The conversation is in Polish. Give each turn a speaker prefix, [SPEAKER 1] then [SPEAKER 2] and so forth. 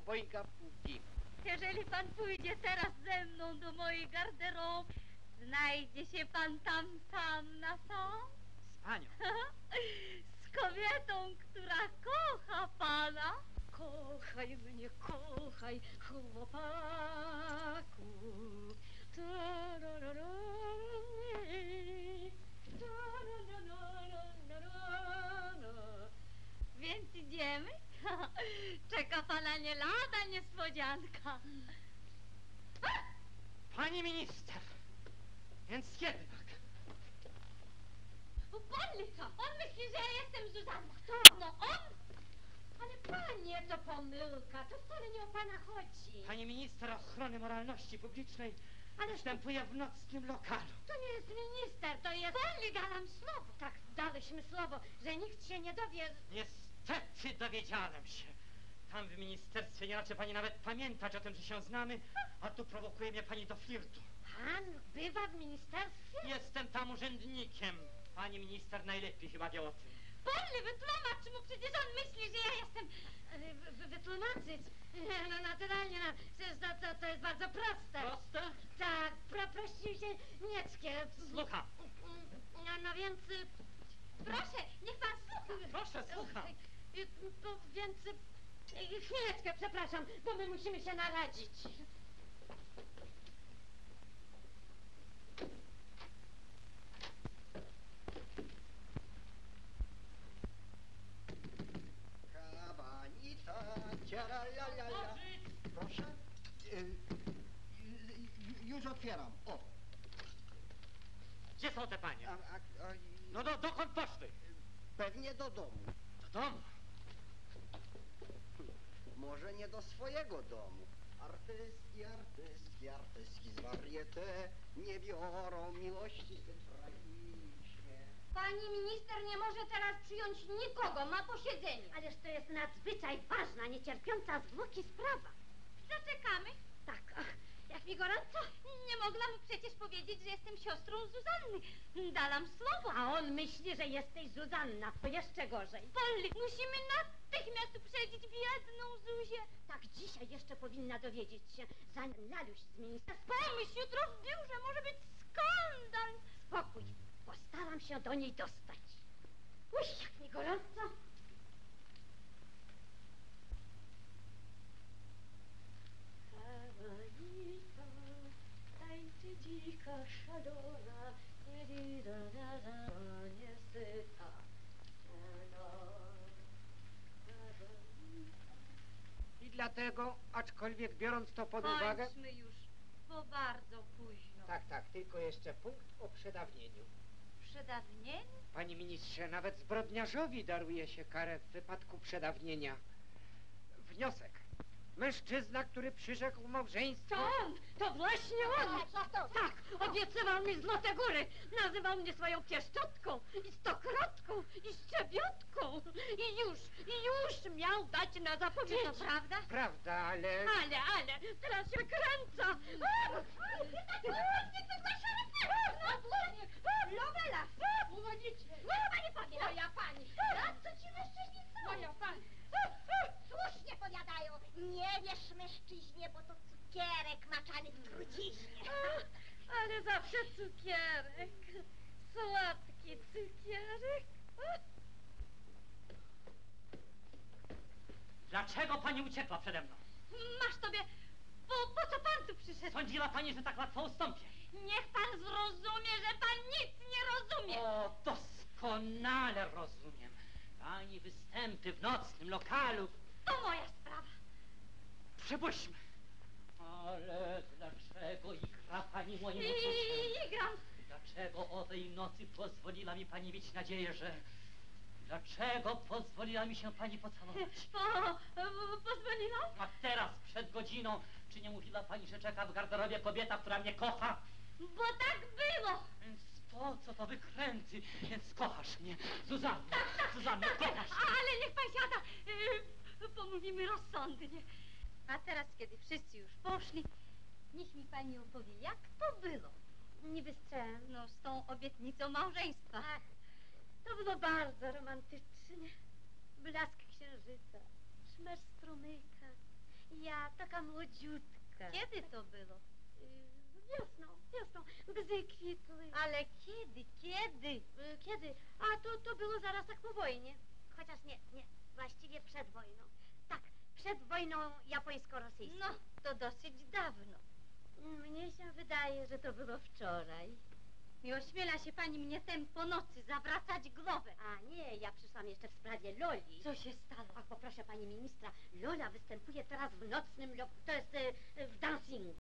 [SPEAKER 1] obojga półki.
[SPEAKER 2] Jeżeli pan pójdzie teraz ze mną do mojej garderoby, znajdzie się pan tam sam na sam?
[SPEAKER 1] Z panią.
[SPEAKER 2] Z kobietą, która kocha pana. Kochaj mnie, kochaj, chłopaku. Więc idziemy? Czeka pana nie lada niespodzianka.
[SPEAKER 1] Pani minister! Więc jednak.
[SPEAKER 2] Pan myśli, że ja jestem Zuzanna. Kto? No on? Ale panie, to pomyłka, to wcale nie o pana chodzi.
[SPEAKER 1] Pani minister ochrony moralności publicznej występuje w nocnym lokalu.
[SPEAKER 2] To nie jest minister, to jest... Pani, dałam słowo. Tak, dałyśmy słowo, że nikt się nie dowie...
[SPEAKER 1] Niestety dowiedziałem się. Tam w ministerstwie nie raczy pani nawet pamiętać o tym, że się znamy, a tu prowokuje mnie pani do flirtu.
[SPEAKER 2] Pan bywa w ministerstwie?
[SPEAKER 1] Jestem tam urzędnikiem. Pani minister najlepiej chyba wie o tym.
[SPEAKER 2] Polly, wytłumacz mu, przecież on myśli, że ja jestem... Wytłumaczyć? No naturalnie, no, przecież to jest bardzo proste.
[SPEAKER 1] Proste?
[SPEAKER 2] Tak, prosił się Nieckie.
[SPEAKER 1] Słucham.
[SPEAKER 2] No więc... Proszę, niech pan słucha.
[SPEAKER 1] Proszę, słucham.
[SPEAKER 2] To więc... Chwileczkę, przepraszam, bo my musimy się naradzić.
[SPEAKER 3] Proszę? Już otwieram. O.
[SPEAKER 1] Gdzie są te panie? No dokąd poszły?
[SPEAKER 3] Pewnie do domu.
[SPEAKER 1] Do domu?
[SPEAKER 3] Może nie do swojego domu. Artystki z varieté nie biorą miłości tragicznie.
[SPEAKER 2] Pani minister nie może teraz przyjąć nikogo, ma posiedzenie. Ależ to jest nadzwyczaj ważna, niecierpiąca zwłoki sprawa. Zaczekamy? Tak. Ach, jak mi gorąco. Nie mogła mu przecież powiedzieć, że jestem siostrą Zuzanny. Dałam słowo. A on myśli, że jesteś Zuzanna. To jeszcze gorzej. Polly, musimy natychmiast uprzedzić biedną Zuzię. Tak, dzisiaj jeszcze powinna dowiedzieć się, zanim Laluś z ministerstwa... Pomyśl, jutro w biurze może być skandal. Spokój. Postaram się do niej dostać. Uj, jak mi gorąco. Kawalika, tańczy dzika szalona, niesyta.
[SPEAKER 4] I dlatego, aczkolwiek biorąc to pod uwagę...
[SPEAKER 2] Kończmy już, bo bardzo późno.
[SPEAKER 4] Tak, tylko jeszcze punkt o przedawnieniu.
[SPEAKER 2] Przedawnienie?
[SPEAKER 4] Panie ministrze, nawet zbrodniarzowi daruje się karę w wypadku przedawnienia. Wniosek. Mężczyzna, który przyrzekł małżeństwo...
[SPEAKER 2] To on! To właśnie on! Tak, obiecywał mi złote góry. Nazywał mnie swoją pieszczotką i stokrotką i szczebiotką. I już miał dać na zapowiedź. To prawda?
[SPEAKER 4] Prawda, ale...
[SPEAKER 2] Ale, teraz się kręca. Lowela! Uwodzicie! Pani powie! Moja pani! A co ci mężczyźni są? Moja pani!
[SPEAKER 5] Słusznie powiadają, nie wierz mężczyźnie, bo to cukierek maczany w truciźnie.
[SPEAKER 2] Ale zawsze cukierek. Słodki cukierek.
[SPEAKER 1] Dlaczego pani uciekła przede mną?
[SPEAKER 2] Masz tobie... Po co pan tu przyszedł?
[SPEAKER 1] Sądziła pani, że tak łatwo ustąpię.
[SPEAKER 2] Niech pan zrozumie, że pan nic nie rozumie.
[SPEAKER 1] O, doskonale rozumiem. Pani występy w nocnym lokalu.
[SPEAKER 2] To moja sprawa.
[SPEAKER 1] Przypuśćmy. Ale dlaczego igra pani moim uczuciem?
[SPEAKER 2] Igram.
[SPEAKER 1] Dlaczego o tej nocy pozwoliła mi pani mieć nadzieję, że... Dlaczego pozwoliła mi się pani pocałować?
[SPEAKER 2] Pozwoliłam?
[SPEAKER 1] A teraz, przed godziną, czy nie mówiła pani, że czeka w garderobie kobieta, która mnie kocha?
[SPEAKER 2] Bo tak było.
[SPEAKER 1] Więc po co to wykręty? Więc kochasz mnie. Zuzanna, Zuzanna, kochasz mnie.
[SPEAKER 2] Ale niech pan siada. Pomówimy rozsądnie. A teraz, kiedy wszyscy już poszli, niech mi pani opowie, jak to było. Niby z czym? No, z tą obietnicą małżeństwa. Ach, to było bardzo romantycznie. Blask księżyca, szmer strumyka i Ja, taka młodziutka. Kiedy to było? Wiosną, gdy kwitły. Ale kiedy? Kiedy? A to było zaraz tak po wojnie. Chociaż nie, właściwie przed wojną. Tak, przed wojną japońsko-rosyjską. No, to dosyć dawno. Mnie się wydaje, że to było wczoraj. Nie ośmiela się pani mnie tem po nocy zawracać głowę. A nie, ja przyszłam jeszcze w sprawie Loli. Co się stało? Ach, poproszę pani ministra, Lola występuje teraz w nocnym, to jest w dancingu.